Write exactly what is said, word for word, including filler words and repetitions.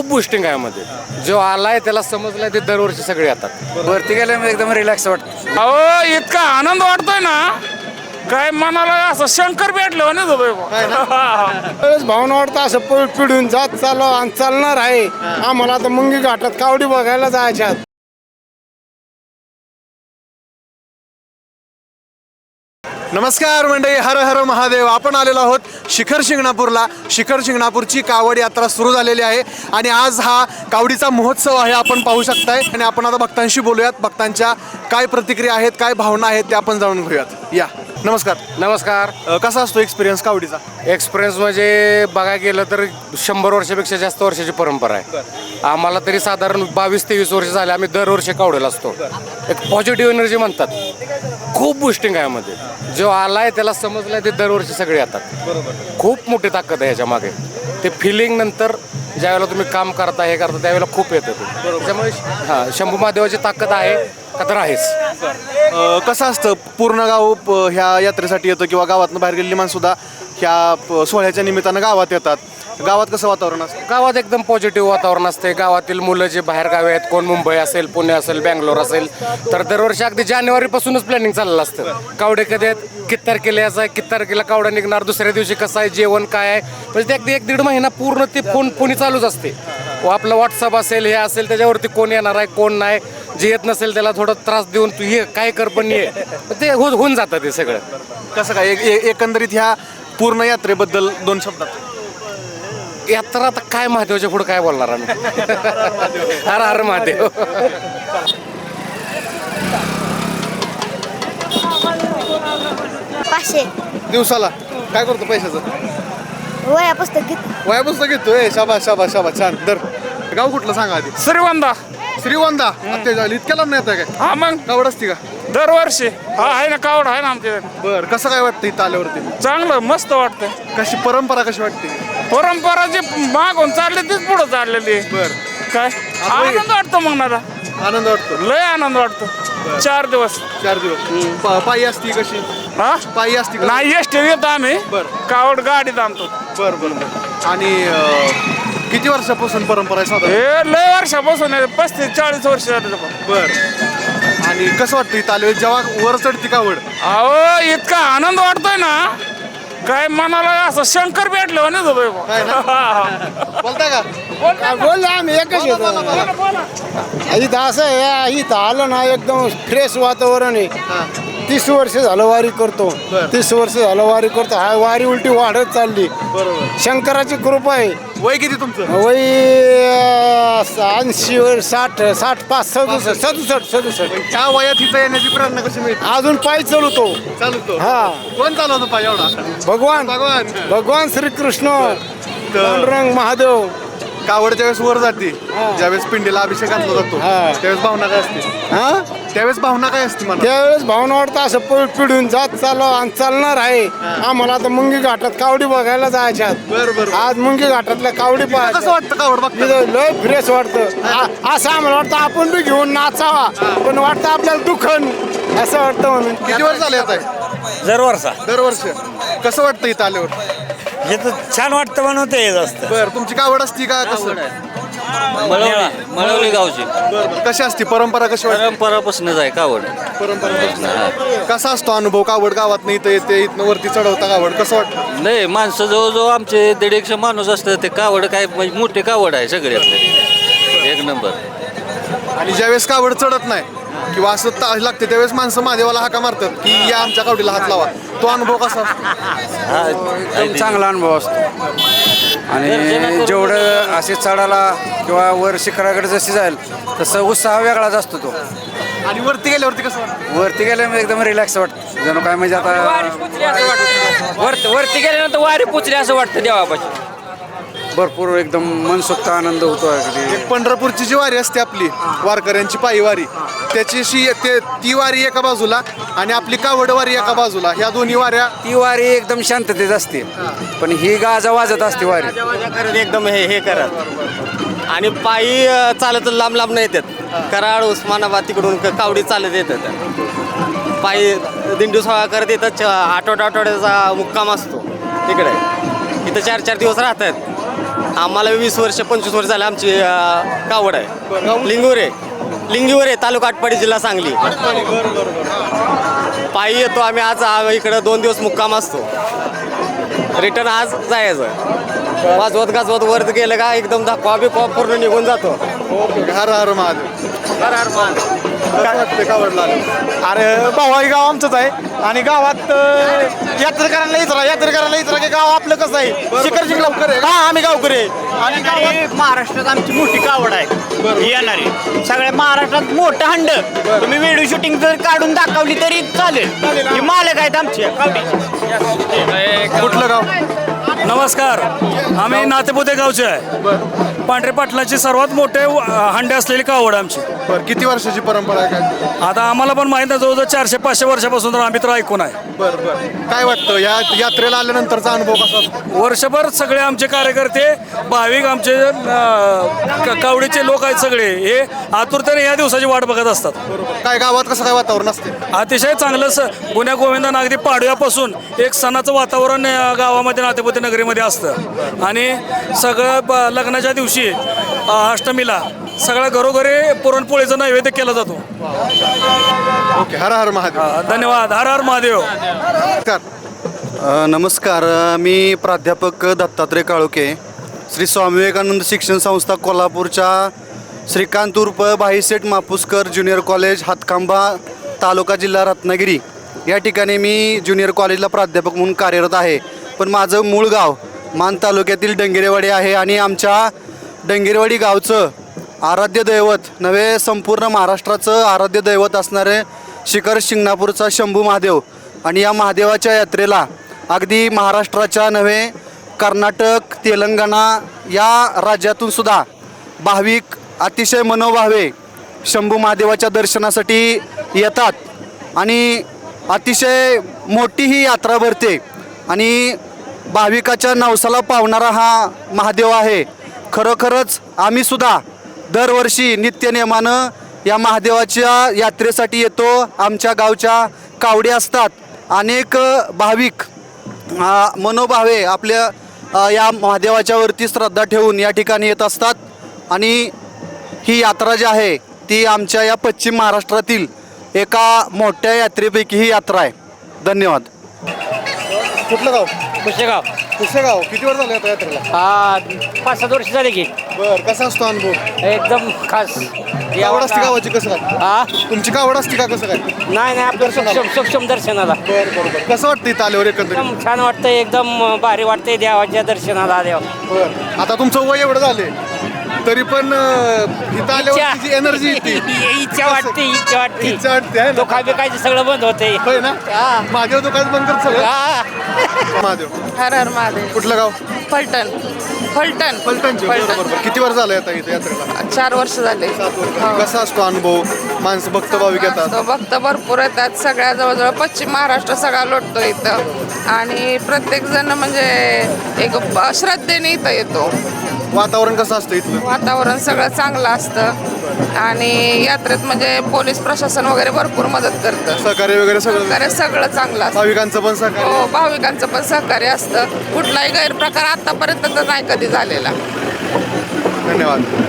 खूप बुस्टिंग आहे यामध्ये. जो आलाय त्याला समजलाय ते दरवर्षी सगळे येतात. वरती गेल्यामुळे एकदम रिलॅक्स वाटतं. अहो इतका आनंद वाटतोय ना, काय मनाला असं शंकर भेटलं ना. भावना वाटतं असं प- पिढून जात चालव आणि चालणार आहे. आम्हाला आता मुंगी घाटात कावडी बघायला जायच्या. नमस्कार मंडळी, हर हर महादेव. आपण आलेलो आहोत शिखर शिंगणापूरला. शिखर शिंगणापूरची कावड यात्रा सुरू झालेली आहे आणि आज हा कावडीचा महोत्सव आहे, आपण पाहू शकताय. आणि आपण आता भक्तांशी बोलूयात. भक्तांच्या काय प्रतिक्रिया आहेत, काय भावना आहेत ते आपण जाणून घेऊयात. या नमस्कार. नमस्कार. अ, कसा असतो एक्सपिरियन्स कावडीचा? एक्सपिरियन्स म्हणजे बघायला गेलं तर शंभर वर्षापेक्षा जास्त वर्षाची परंपरा आहे. आम्हाला तरी साधारण बावीस तेवीस वर्ष झाले. आम्ही दरवर्षी कावडेला असतो. एक पॉझिटिव्ह एनर्जी म्हणतात, खूप बुस्टिंग आहे यामध्ये. जो आलाय त्याला समजलाय ते दरवर्षी सगळे येतात. खूप मोठी ताकद आहे याच्या मागे. ते फिलिंग नंतर ज्यावेळेला तुम्ही काम करता हे करता त्यावेळेला खूप येतं ते. त्याच्यामुळे हां, शंभू महादेवाची ताकद आहे का तर आहेच. अ, कसं असतं, पूर्ण गाव प- ह्या यात्रेसाठी येतं किंवा गावातनं बाहेर गेलेली माणसंसुद्धा ह्या प- सोहळ्याच्या निमित्तानं गावात येतात. गावात कसं वातावरण असतं? गावात एकदम पॉझिटिव्ह वातावरण असते. गावातील मुलं जे बाहेर गावे आहेत, कोण मुंबई असेल, पुणे असेल, बँगलोर असेल, तर दरवर्षी अगदी जानेवारीपासूनच प्लॅनिंग चाललेलं असतं. कावडे कधी आहेत, किती तारखेला यायचं आहे, किती तारखेला कावडा निघणार, दुसऱ्या दिवशी कसं आहे, जेवण काय आहे, म्हणजे ते अगदी एक दीड महिना पूर्ण ते फोन फोनी चालूच असते. व आपलं व्हॉट्सअप असेल, हे असेल, त्याच्यावरती कोण येणार आहे कोण नाही. जे येत नसेल त्याला थोडं त्रास देऊन तू ये काय कर पण ये, ते हो होऊन जातं ते सगळं. कसं काय एक- ए- एकंदरीत ह्या पूर्ण यात्रेबद्दल दोन शब्दात? यात्रा आता काय महादेवाच्या पुढे काय बोलणार आम्ही. हर हर महादेव. पाचशे दिवसाला काय करतो पैशाचं? वया पुस्तक घेत वया पुस्तक घेतोय. शाबा शाबा शाबा, छान. दर गाव कुठलं सांगा आधी? श्रीवंदा. श्रीवंदा. आता झाली इतक्या लांब नाही येत काय? हा मग कावड असती का? दरवर्षी हा आहे ना, कावड आहे ना आमच्या. बर, कसं काय वाटतं इथं आल्यावरती? चांगलं मस्त वाटतंय. कशी परंपरा कशी वाटते? परंपरा जी मागून चालली तीच पुढे चाललेली आहे. बर, काय आनंद वाटतो मग मला, आनंद वाटतो. लय आनंद वाटतो. चार दिवस चार दिवस पा- पायी असती कशी? हा पायी असती का? नाही एस टी येतो आम्ही. बरं. कावड गाडीत आणतो. बर बर बर. आणि अं, किती वर्षापासून परंपरा आहे साधारण? हे लय वर्षापासून आहे, पस्तीस चाळीस वर्ष झाले. बर. आणि कसं वाटतं इथं आल्यावर जेव्हा वर चढती कावड? अहो इतका आनंद वाटतोय ना, काय मनाला असं शंकर भेटलं ना. काय ना? बोलताय का? काय बोललो आम्ही एकच येतो. इथं असं आहे, इथं आलं ना एकदम फ्रेश वातावरण आहे. हा. तीस वर्ष झालं वारी करतो. बरं. तीस वर्ष झालं वारी करतो. हा वारी उलटी वाढत चालली. बरोबर. शंकराची कृपा आहे. वय किती तुमचं? वय ऐंशी वर साठ साठ पाच सदुसष्ट सदुसष्ट सदुसष्ट ह्या वयात इथं येण्याची प्रेरणा कशी मिळते? अजून पायी चालवतो. चालतो. हा. कोण चालवतो पाय एवढा? भगवान भगवान. भगवान श्रीकृष्ण पांडुरंग महादेव. कावडच्या वेळेस वर जाते, ज्यावेळेस पिंडीला अभिषेक घातला जातो हा. त्यावेळेस भावना काय असते? हा त्यावेळेस भावना काय असते मला? त्यावेळेस भावना वाटतं असं प- पिढून जात चालव आणि चालणार आहे. आम्हाला आता मुंगी घाटात कावडी बघायला जायच्या. बरं, बरं. आज मुंगी घाटातल्या कावडी कसं पाहायच्या. वाटतं कावड बघता? इथं लय फ्रेश वाटतं. आ- असं आम्हाला वाटतं आपण बी घेऊन नाचावा, पण वाटतं आपल्याला दुखन असं वाटतं म्हणून. किती वर्ष झाले येत आहे? दरवर्षा दरवर्ष. कसं वाटतं इथं आल्यावर? हे तर छान वाटतं म्हणून ते येत असतं. बर, तुमची कावड असती का? कसं? मळवली मळवली गावची बरं, बरं. कशी असती परंपरा? कशी वाटते? परंपरापासूनच आहे कावड. परंपरा कसा असतो अनुभव? कावड गावात इथं येते, इथनं वरती चढवता कावड, कसं वाटतं? नाही माणसं जवळजवळ आमचे दीड एकशे माणूस असतं. ते कावड काय म्हणजे मोठे कावड आहे सगळे आपले, एक नंबर. आणि ज्यावेळेस कावड चढत नाही किंवा असं ता लागते त्यावेळेस माणसं महादेवाला हाका मारतात की या आमच्या कावडीला हात लावा. तो अनुभव कसा असतो? एकदम चांगला अनुभव असतो. आणि जेवढं असे चढायला किंवा वर शिखराकडे जशी जाईल तसं उत्साह वेगळाच असतो तो. आणि वरती गेल्यावरती कसं वाटतं? वरती गेल्यामुळे एकदम रिलॅक्स वाटतं. जणू काय म्हणजे आता वरती वरती गेल्यानंतर वारी पुचली असं वाटतं देवापाशी. भरपूर एकदम मनसोक्त आनंद होतो अगदी. एक पंढरपूरची जी वारी असते आपली वारकऱ्यांची पायी वारी, त्याची शी ते ती वारी एका बाजूला आणि आपली कावड वारी एका बाजूला, ह्या दोन्ही वाऱ्या. ती वारी एकदम शांततेत असते, पण ही गाजा वाजत असते वारी. करत एकदम हे हे करत आणि पायी अ, चालत लांब लांब नाही येतात. कराड उस्मानाबाद तिकडून क- कावडी चालत येतात. पायी दिंडू सोहळा करत येतात. च- आठवडा आठवड्याचा मुक्काम असतो तिकडे. इथं चार चार दिवस राहतात. आम्हाला वीस वर्ष पंचवीस वर्ष झाले आमची अं, कावड आहे लिंगुरे लिंगीवरे तालुका आटपाडी जिल्हा सांगली. पायी येतो आम्ही आज आ- इकडं दोन दिवस मुक्काम असतो. रिटर्न आज जायचं वाजवत गाजवत वर गेलं का एकदम दाखवा बिकवा पूर्ण निघून जातो. हर हर महादेव. हर हर महादेव. कसं वाटतंय कावडला आलं? अरे भाऊ गाव आमचंच आहे आणि गावात अं, यात्रेकरांना इचरा यात्रेकरांना इचरा की गाव आपलं कसं आहे शिखर शिंगणापूर आहे. हा आम्ही गावकरी आहे. आणि गावात महाराष्ट्रात आमची मोठी कावड आहे येणारी सगळ्या महाराष्ट्रात मोठं हंड तुम्ही व्हिडिओ शूटिंग जर काढून दाखवली तरी चालेल. ही मालक आहेत आमची कावडी. कुठलं गाव? नमस्कार, आम्ही नातेपुते गावचे आहे. पांढरे पाटलाची सर्वात मोठे व- हंडे असलेली कावड आमची. बरं, किती वर्षाची परंपरा आहे काय? आता आम्हाला पण माहीत आहे, जवळजवळ चारशे पाचशे वर्षापासून तर आम्ही तर ऐकून आहे. बरं बरं, काय वाटतं या यात्रेला आल्यानंतरचा अनुभव कसा असतो? वर्षभर सगळे आमचे कार्यकर्ते भाविक आमचे अं, क- कावडीचे लोक आहेत सगळे, हे आतुरतेने या दिवसाची वाट बघत असतात. काय गावात कसं काय वातावरण असते? अतिशय चांगलं स गुन्ह्या गोविंदानं अगदी पाडव्यापासून एक सणाचं वातावरण अं, गावामध्ये नातेपुते नगरीमध्ये असतं. आणि सगळं ब- लग्नाच्या दिवशी अं, अष्टमीला सगळ्या घरोघरी पुरणपोळीचा नैवेद्य केला जातो. ओके, हर हर महादेव. अं, धन्यवाद. हर हर महादेव. नमस्कार. अ, नमस्कार अ, मी प्राध्यापक दत्तात्रय काळुके, श्री स्वामी विवेकानंद शिक्षण संस्था कोल्हापूरच्या श्रीकांत उर्फ भाईसेठ मापुसकर ज्युनियर कॉलेज हातखांबा तालुका जिल्हा रत्नागिरी या ठिकाणी मी ज्युनियर कॉलेजला प्राध्यापक म्हणून कार्यरत आहे. पण माझं मूळ गाव मान तालुक्यातील डंगेरेवाडी आहे आणि आमच्या डंगेरेवाडी गावचं आराध्य दैवत नव्हे संपूर्ण महाराष्ट्राचं आराध्य दैवत असणारे शिखर शिंगणापूरचा शंभू महादेव. आणि या महादेवाच्या यात्रेला अगदी महाराष्ट्राच्या नव्हे कर्नाटक तेलंगणा या राज्यातून सुद्धा भाविक अतिशय मनोभावे शंभू महादेवाच्या दर्शनासाठी येतात. आणि अतिशय मोठी ही यात्रा भरते आणि भाविकाच्या नवसाला पावणारा हा महादेव आहे. खरोखरच आम्हीसुद्धा दरवर्षी नित्यनेमानं या महादेवाच्या यात्रेसाठी येतो. आमच्या गावच्या कावडी असतात. अनेक भाविक अ, मनोभावे आपल्या अ, या महादेवाच्यावरती श्रद्धा ठेवून या ठिकाणी येत असतात. आणि ही यात्रा जी आहे ती आमच्या या पश्चिम महाराष्ट्रातील एका मोठ्या यात्रेपैकी ही यात्रा आहे. धन्यवाद. कुठलं गाव? पुसेगाव. पुसेगाव. किती वर्ष झाले आता यात्रेला? हा पाच सात वर्ष झाले की. बरं, कसा असतो अनुभव? एकदम खास. कावड असते गावाची कसं काय? हा तुमची कावड असते का कसं काय? नाही नाही आपलं सक्षम सक्षम दर्शनाला बरं बरं बरं. कसं वाटतं इथं आल्यावर एकंदरीत? एकदम छान वाटतंय एकदम भारी वाटतंय देवाच्या दर्शनाला देव. बरं. आता तुमचं वय एवढं झाले तरी पण अं, इथं आल्यावर जी एनर्जी येते इच्छा वाटते इच्छा वाटते इच्छा वाटते आहे ना? दुखा बिकायचं सगळं बंद होतंय. होय ना? हा. महादेव दुकान बंद करत सगळं. हा. महादेव. हर हर महादेव. कुठलं गाव? फलटण फलटण पलटणचे. बरं बरं. किती वर्ष झालं आता इथे यात्रेला? चार वर्ष झाले. सात वर्ष. कसा असतो अनुभव? माणसं भक्त भाविक येतात. तो भक्त भरपूर येतात. सगळ्या जवळजवळ पश्चिम महाराष्ट्र सगळा लोटतो इथं आणि प्रत्येक जण म्हणजे एक ब- श्रद्धेने इथं येतो. वातावरण कसं असतं इथलं? वातावरण सगळं चांगलं असतं आणि यात्रेत म्हणजे पोलीस प्रशासन वगैरे भरपूर मदत करतं. सहकार्य वगैरे सगळं सहकार्य सगळं चांगलं असतं. भाविकांचं पण सहकार्य. हो भाविकांचं पण सहकार्य असतं. कुठलाही गैरप्रकार आतापर्यंत तर नाही कधी झालेला. धन्यवाद.